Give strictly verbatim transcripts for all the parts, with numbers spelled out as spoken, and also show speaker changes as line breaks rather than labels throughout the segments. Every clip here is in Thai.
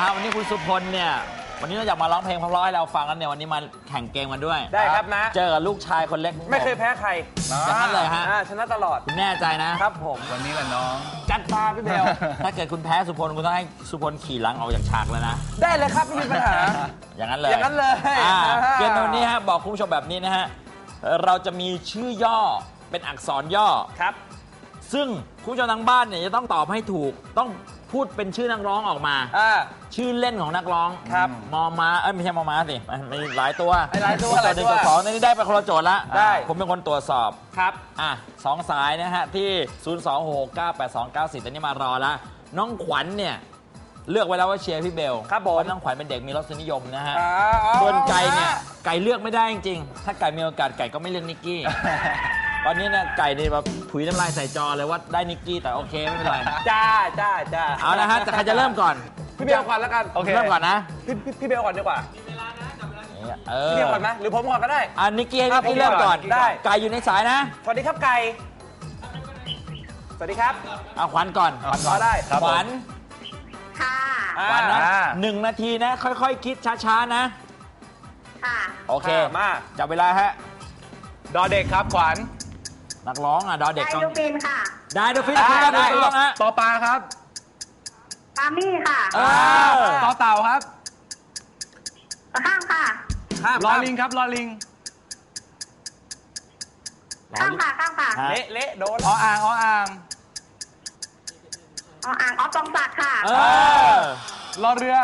วันนี้คุณสุพลเนี่ยวันนี้เราอยากมาร้องเพลงเพราะๆให้เราฟังกันเนี่ยวันนี้มาแข่งเกมกันด้วย
ได้ครับนะ
เจอกับลูกชายคนเล็ก
ไม่เคยแพ้ใคร
อย่างนั้นเลยฮะ
ชนะตลอด
คุณแน่ใจนะครับ
ผม
วันนี้แหละน้อง
จัดมาพี่เบล
ถ้าเกิดคุณแพ้สุพลคุณต้องให้สุพลขี่หลังออกจากฉากเลยนะ
ได้เลยครับไม่มีปัญหา
อย่างนั้นเลย
อย่างนั้นเลย
เกมวันนี้ฮะบอกคุณผู้ชมแบบนี้นะฮะเราจะมีชื่อย่อเป็นอักษรย่อ
ครับ
ซึ่งคุณผู้ชมทางบ้านเนี่ยจะต้องตอบให้ถูกต้องพูดเป็นชื่อนักร้องออกมาชื่อเล่นของนักร้อง
ครับ
มอมาเอ้ยไม่ใช่มอมาสิมีหลายตัว
หลายตัวหลาย
ตัวหนึ่งตัวสองนี่ได้ไปคนละโจทย์ละ
ได้
ผมเป็นคนตรวจสอบ
ครับ
อ่ะสองสายนะฮะที่ ศูนย์ สอง หก เก้า แปด สอง เก้า สี่ ตอนนี้มารอแล้วน้องขวัญเนี่ยเลือกไว้แล้วว่าเชียร์พี่เบล
ครับผม
เพราะน้องขวัญเป็นเด็กมีรสนิยมนะฮะส่วนไก่เนี่ยไก่เลือกไม่ได้จริงๆถ้าไก่มีโอกาสไก่ก็ไม่เลือกนิกกี้ตอนนี้เนี่ยไก่เนี่ยแบบถุยน้ำลายใส่จอเลยว่าได้นิกกี้แต่โอเคไม่เป็นไร
จ้าจ้าจ้า
เอาละฮะแต่ใครจะเริ่มก่อน
พี่เบลก่อนแล้วกัน
โอเคเริ่มก่อนนะ
พี่พี่เบลก่อนดีกว่าพี่เบลก่อนไหมหรือผมก่อนก็ได้
อ่ะนิกกี้ให้นิกกี้เริ่มก่อน
ได้
ไก่อยู่ในสายนะ
สวัสดีครับไก่สวัสดีครับ
เอาขวัญก่อน
ขวัญก่อนได้
ขวัญ
ค่ะ
ขวัญนะหนึ่งนาทีนะค่อยๆคิดช้าๆนะ
ค่ะ
โอเค
มา
จับเวลาฮะ
ดอเด็กครับขวัญ
นักร้องอ่ะดอเด็ก
ได้ดูฟินค่ะ
ได้ดูฟินได้ได้ต้องฮะ
ต่อปลาครับ
ปามี่ค่ะ
ต่อเต่าครับ
ข้ามค่ะ
ลอลิงครับลอลิง
ข้ามค่ะข้ามค่ะ
เละเละโดน
ออ่างออ่าง
ออ่างออฟปองศักดิ์ค่ะ
รอเรือ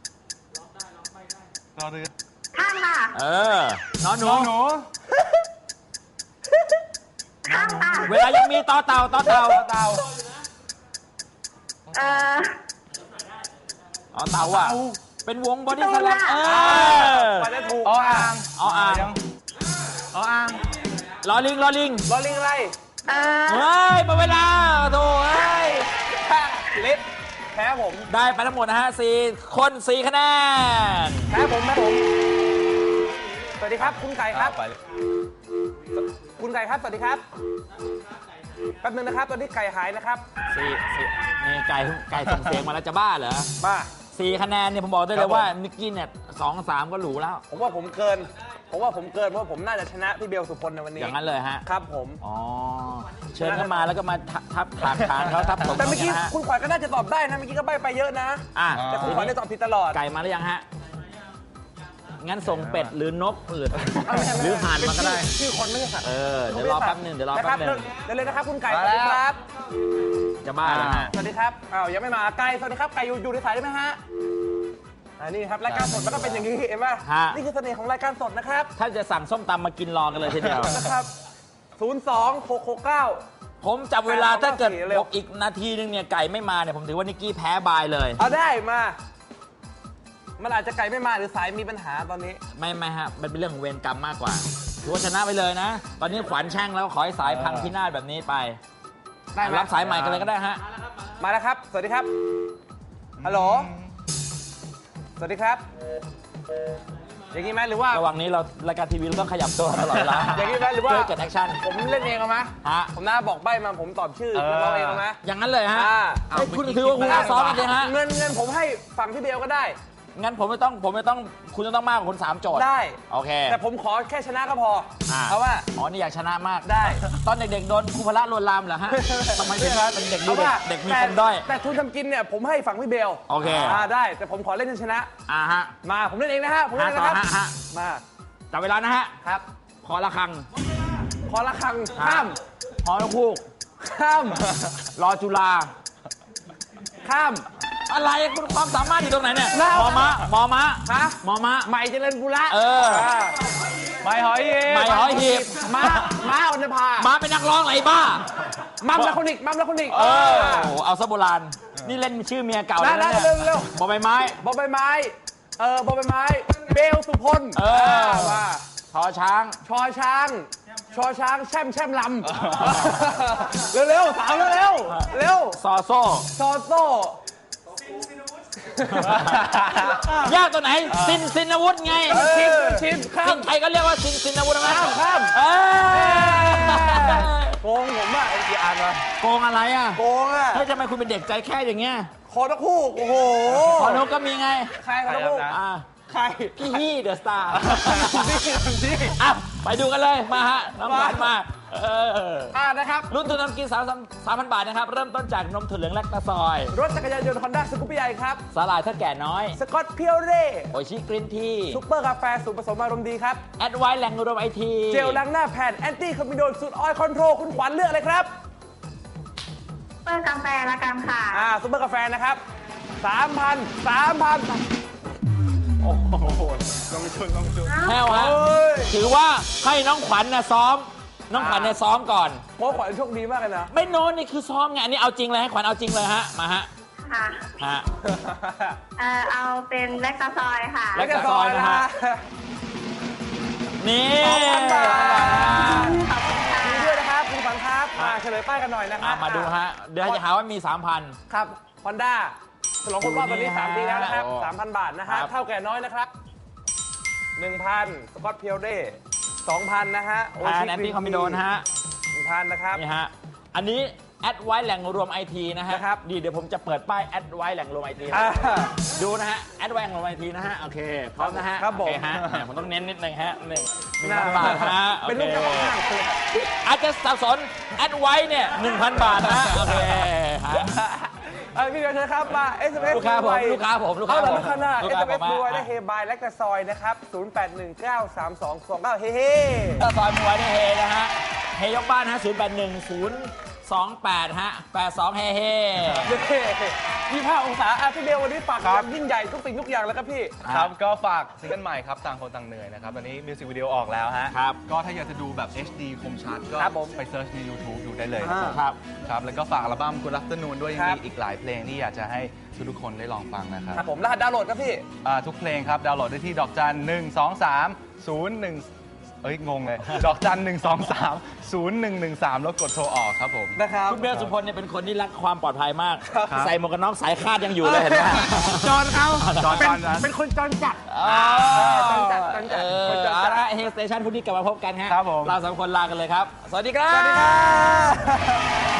รอเรือ
ข้ามค่ะ
เออนอนหนู
หนู
ข้ามค่ะ
เวลายังมีต่อเต่าต่อเต่า
เต่า
เออ
อ๋อเต่าอ่ะเป็นวงบอดี้สแลมเออ
ไปได้ถูก
ออ่าง
ออ่าง
ออ่าง
ลอลิงลอลิง
ลอลิงอะไร
เออ
เฮ้ยหมดเวลาโถ่เฮ้ย
เล็บแพ้ผม
ได้ไปทั้งหมดนะฮะสี่คนสี่คะแนน
แพ้ผมแพ้ผมสวัสดีครับคุณไก่ครับคุณไก่ครับสวัสดีครับแป๊บนึงนะครับตอนนี้ไก่หายนะครับ
สี่สี่นี่ไก่ไก่ส่งเสียงมาแล้วจะบ้าเหรอ
บ้า
สี่คะแนนเนี่ยผมบอกได้เลยว่านิกกี้เนี่ยสองสามก็หรูแล้ว
ผมว่าผมเกินผมว่าผมเกินเพราะผมน่าจะชนะพี่เบลสุพลในวันนี้
อย่างนั้นเลยฮะ
ครับผม
อ๋อเชิญเข้ามาแล้วก็มาทับถามทางเขาทับผม
แต่เมื่อกี้คุณขวัญก็น่าจะตอบได้นะเมื่อกี้ก็ใบ้ไปเยอะนะแต่คุณขวัญได้ตอบผิดตลอด
ไก่มาหรือยังฮะงั้นส่งเป็ดหรือนกหรือหรือห่านมาก็ได้
ชื่อคนไม่ใช่สัตว์
เออเดี๋ยวรอแป๊บนึงเดี๋ยวรอแป๊บนึง
เดี๋ยวเลยนะครับคุณไก่สวัสดีครับ
จะบ้าแล้วนะ
สวัสดีครับอ้าวยังไม่มาไก่สวัสดีครับไก่อยู่อยู่ในสายได้ไหมฮะอันนี้ครับรายการสดมันก็เป็นอย่างนี้เห็นไหมนี่คือเสน่ห์ของรายการสดนะครับ
ถ้าจะสั่งส้มตำมากินรอกันเลยทีเดียว
นะครับศูนย์ สอง หก หก เก้า
ผมจับเวลาถ้าเกิดอีกนาทีนึงเนี่ยไก่ไม่มาเนี่ยผมถือว่านิกกี้แพ้บายเลย
เอาได้มามันอาจจะไก่ไม่มาหรือสายมีปัญหาตอนนี้
ไม่ไม่ฮะมันเป็นเรื่องของเวรกรรมมากกว่าถือว่าชนะไปเลยนะตอนนี้ขวัญแช่งแล้วขอให้สายพังพินาศแบบนี้ไปได้รับสายใหม่กันเลยก็ได้ฮะ
มาแล้วครับสวัสดีครับฮัลโหลสวัสดีครับอย่างนี้ไหมหรือว่า
ระหว่างนี้เรารายการทีวีเราต้องขยับตัวตลอดเวลา
อย่างนี้ไหมหรือว่า
เกิดแอคชั่น
ผมเล่นเองเอาไหม
ฮะ
ผมน่าบอกใบ้มาผมตอบชื่อเราเองเอาไหม
อย่างนั้นเลยฮะคุณถือว่าคุณซ้อมกันเลยฮะ
เงินเงินผมให้ฝั่งพี่เบลก็ได้
งั้นผมไม่ต้องผมไม่ต้องคุณจะต้องมากกว่าคนสามโจทย์
ได้
โอเค
แต่ผมขอแค่ชนะก็พอเพราะว่า
อ๋อนี่อยากชนะมาก
ได้
ตอนเด็กๆโดนครูพละลวนลามเหรอฮะทำไมเป็นเด็กดูเด็กมีคนด้อย
แต่ทุนทำกินเนี่ยผมให้ฝั่งพี่เบล
โอเค
ได้แต่ผมขอเล่นชนะ
อ่าฮะ
มาผมเล่นเองนะฮะผมเล่นนะครับมา
จับเวลานะฮะ
ครับ
ขอละครัง
ขอละครังข้าม
ขอนกฮูก
ข้าม
รอจุฬา
ข้าม
อะไรคุณความสามารถอยู่ตรงไหนเนี่ยมอมะมอมะ
ฮะ
มอมะ
ใหม่เจริญบุระ
เออ
ใหม่หอยหีบ
ใหม่หอยหีบ
ม้าม้าออนภา
ม้าเป็นนักร้องไรบ้า
มัมละคนอีกมัมละคนอีก
เออโอ้เอาซะโบราณนี่เล่นชื่อเมียเก่าแล้วเนี่ย
เร็วเร็ว
บอใบไม้
บอใบไม้เออบอใบไม้เบลสุพล
เออมาชอช้าง
ชอช้างชอช้างแช่มแช่มลำเร็วๆสาวเร็วเร็ว
ซอโซ่
ซอโซ่
ยากตัวไหนซินซินอาวุธไง
ชินชินข้าม
ใครก็เรียกว่าซินซินอาวุธนะ
ข้ามข้าม
เออ
โกงผมอ่ะไอ้กี่อันวะ
โกงอะไรอ่ะ
โกงอ่ะ
เฮ้ยทำไมคุณเป็นเด็กใจแค่อย่างเงี้ย
คอนกฮูกโอ้โห
พอนกก็มีไง
ใครคอนกฮูก
อ่า
ใคร
พี่ฮี่เดอะสตาร์
นี่นี่
อ่ะไปดูกันเลยมาฮะน้องขวัญมาเออ
อ่านะครับ
รุ่นทุนน้ำกินสามสามพันบาทนะครับ เริ่มต้นจากนมถั่วเหลืองแลคตาซอย
รถจักรยานยนต์ฮอนด้าสกูปปี้ใหญ่ครับ
สาหร่ายเท่าแก่น้อย
สกอตเพียวเร่
โอชิกรีนที
ซุปเปอร์กาแฟสูตรผสมอารมณ์ดีครับ
แอดไวท์แหล่งรวมไอที
เจลล้างหน้าแผ่นแอนตี้คอมบิโดนสูตรออยล์คอนโทรลคุณขวัญเลือกอะไรครับ
เปิดกาแฟละกันค่ะ
อ่าซุปเปอร์กาแฟนะครับสามพันสามพัน
โอ้โหลงชุนลงชุน
แห้วฮะ
โอ้ย
ถือว่าให้น้องขวัญนะซ้อม น้องขวัญเนี่ยซ้อมก่อน
โค้ชขวัญโชคดีมากเลยนะ
ไม่โน้นนี่คือซ้อมไงอันนี้เอาจริงเลยให้ขวัญเอาจริงเลยฮะมาฮะ
ค่ะ
ฮะ
เออเอาเป็นแลคตาซอยค่ะ
แลคตาซอยนะฮะ นี่
สองพันบาท
ขอบคุณค่ะ
ดีด้วยนะครับคุณขวัญครับมาเฉลยป้ายกันหน่อยนะค
อ่ะ
รับ
มาดูฮะ เดี๋ยวจะหาว่ามี สามพัน
ครับฮอนด้าฉลองครบรอบวันนี้
ดูนี่
สามปีแล้วนะครับ
โอ้
สามพันบาทนะ
ครั
ฮะ
บ
เท่าแก่น้อยนะครับหนึ่งพันสกอตเพียวเร่สองพันนะฮะโอ
แอ
ชิ
นแอนตี้คอมบิโดนฮะ
หนึ่งพันนะครับ
นี่ฮะ อันนี้แอดไว้แหล่งรวมไอทีนะฮะ
นะครับ
ดีเดี๋ยวผมจะเปิดป้ายแอดไว้แหล่งรวมไอที
อ่า
ดูนะฮะแอดไว้แหล่งรวมไอทีนะฮะโอเคพร้อมนะฮะ
ครับผม
โอเคฮะแหมผมต้องเน้นนิดนึงฮะหนึ่งหนึ่ง
หน้า
พันบาทฮะโอ
เป็น
เค
ลูกเจ้าของห้างเลย
อาจจะสับสนแอดไว้เนี่ยหนึ่งพันบาทนะฮะโอเคฮะ
เอ้ยพี่เบียร์เชิญครับมา เอส เอ็ม เอส
ลูกค้าผมลูกค้าผมลูกค้า
เอา
ผม
ละลูกค้าหน้า
ลู
เอก ส
ค้า
เอ็ม
ผ
เอส
ม
ด้วย
อ่ะ
ได้เฮบายและกระซอยนะครับศูนย์ แปด หนึ่ง เก้า สาม สอง สอง เก้าเฮ้เฮ้
ถ้าซอยมวยเนี่ยเฮนะฮะเฮยกบ้านฮะศูนย์แปดหนึ่งศูนย์สองแปดฮะแปดสองเฮเฮ
ยี่ห้าองศาอ่ะพี่เบลวันนี้ฝาก
ครับ
ยิ่งใหญ่ทุกสิ่งทุกอย่างแล้วครับพี่
ครับก็ฝากซิงเกิลใหม่ครับต่างคนต่างเหนื่อยนะครับตอนนี้มิวสิกวิดีโอออกแล้วฮะ
ครับ
ก็ถ้าอยากจะดูแบบ เอช ดี คมชัดก็
ครับผม
ไปเซิร์ชใน YouTube ดูได้เลย
อ่า
ครับ
ครับแล้วก็ฝากอัลบั้ม Good Afternoon ด้วยยัง
ครั
มี
บ
อีกหลายเพลงที่อยากจะให้ทุกๆคนได้ลองฟังนะครับ
ครับผมรหัสดาวน์โหลดครับพี่
อ่าทุกเพลงครับ ดาวน์โหลดได้ที่ดอกจันหนึ่งสองสามศูนย์หนึ่งเอ้ย งงเลย ดอกจันหนึ่งสองสามศูนย์หนึ่งหนึ่งสามแล้วกดโทรออกครับผม
นะครับ
คุณเบลสุพลเนี่ยเป็นคนที่รักความปลอดภัยมาก
ครับ
ใส่หมวกกันน็อกสายคาดยังอยู่เลยเห็นไหม
จอนเขา
จอน
เป็น
จอนนั้น
เป็นคนจอนจัด
อ๋อ
จอนจัดจอนจัด
เออ
คนจอนจัด
เอาละเฮสเตชันพรุ่งนี้กลับมาพบกันฮะ
ครับผม
เราสามคนลากันเลยครับ สวัสดีครับ
สวัสดีครับ